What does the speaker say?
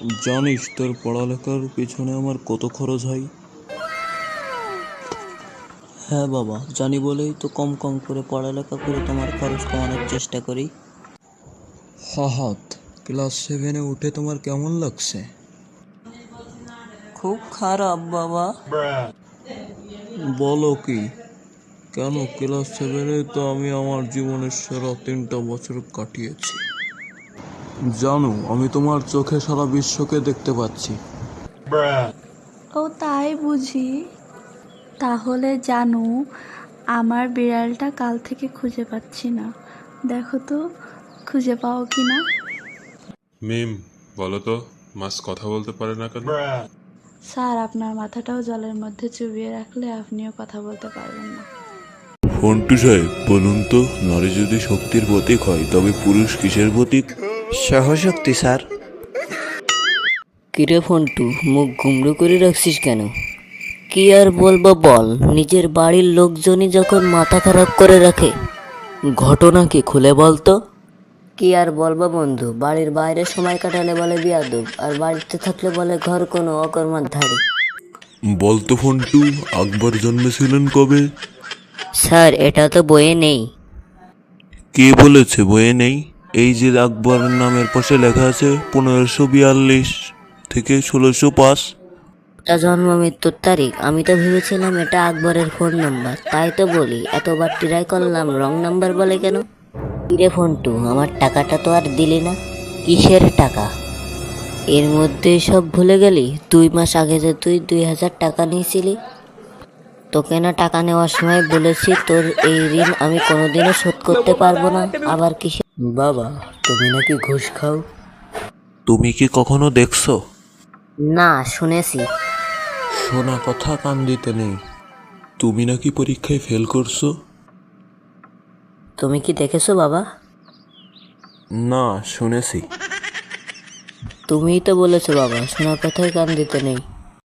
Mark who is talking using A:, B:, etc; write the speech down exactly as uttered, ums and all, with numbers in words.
A: জানিস তোর পড়ালেখার পিছনে আমার কত খরচ হয়?
B: হ্যাঁ বাবা, জানি বলেই তো কম কম করে পড়ালেখা করে তোমার খরচ কমানোর চেষ্টা করি।
A: ফাহাদ, ক্লাস সেভেনে উঠে তোমার কেমন লাগছে?
B: খুব খারাপ বাবা।
A: বলো কি? কেন, ক্লাস সেভেনে তো আমি আমার জীবনের সেরা তিনটা বছর কাটিয়েছি। জানো, আমি তোমার চোখে সারা বিশ্বকে দেখতে পাচ্ছি।
C: ও তাই বুঝি? তাহলে জানু, আমার বিড়ালটা কাল থেকে খুঁজে পাচ্ছি না। দেখো তো খুঁজে পাও কি না।
D: মিম, বলো তো, মাছ কথা বলতে পারে না কেন?
C: স্যার, আপনার মাথাটাও জলের মধ্যে চুবিয়ে রাখলে আপনিও কথা বলতে পারবেন না।
E: ফন্টু সাহেব, বলুন তো, নারী যদি শক্তির প্রতীক হয় তবে পুরুষ কিসের প্রতীক?
F: সহশক্তি স্যার।
B: কিরে ফন্টু, মুখ গুমড়ো করে রাখছিস কেন? কি আর বলবো বল, নিজের বাড়ির লোকজনই যখন মাথা খারাপ করে রাখে। ঘটনা কি খুলে বলতো? কি আর বলবো বন্ধু, বাড়ির বাইরে সময় কাটালে বলে বিয়াদব, আর বাড়িতে থাকলে বলে ঘর কোনো অকর্মার ধারে।
E: বলতো ফন্টু, আকবর জন্মেছিলেন কবে?
B: স্যার, এটা তো বইয়ে নেই।
E: কে বলেছে বইয়ে নেই? এই যে আকবর নামের পাশে লেখা আছে পনেরোশো বিয়াল্লিশ থেকে ষোলোশো পাঁচ।
B: এটা জন্ম মৃত্যুর তারিখ। আমি তো ভেবেছিলাম এটা আকবরের ফোন নাম্বার, তাই তো বলি এতবার ট্রাই করলাম, রং নাম্বার বলে কেন? কিরে ফন্টু, আমার টাকাটা তো আর দিলি না। কিসের টাকা? এর মধ্যে সব ভুলে গেলি? দুই মাস আগে যে তুই দুই হাজার টাকা নিয়েছিলি, তোকে না টাকা নেওয়ার সময় বলেছি তোর এই ঋণ আমি কোনোদিনও শোধ করতে পারবো না। আবার কিসে? বাবা, তুমি নাকি ঘুষ খাও?
E: তুমি কি কখনো দেখছো?
B: না, শুনেছি।
E: শোনা কথা কান দিতে নেই। তুমি নাকি পরীক্ষায় ফেল করছো?
B: তুমি কি দেখেছো বাবা?
E: না, শুনেছি।
B: তুমিই তো বলেছো বাবা, শোনা কথায় কান দিতে নেই।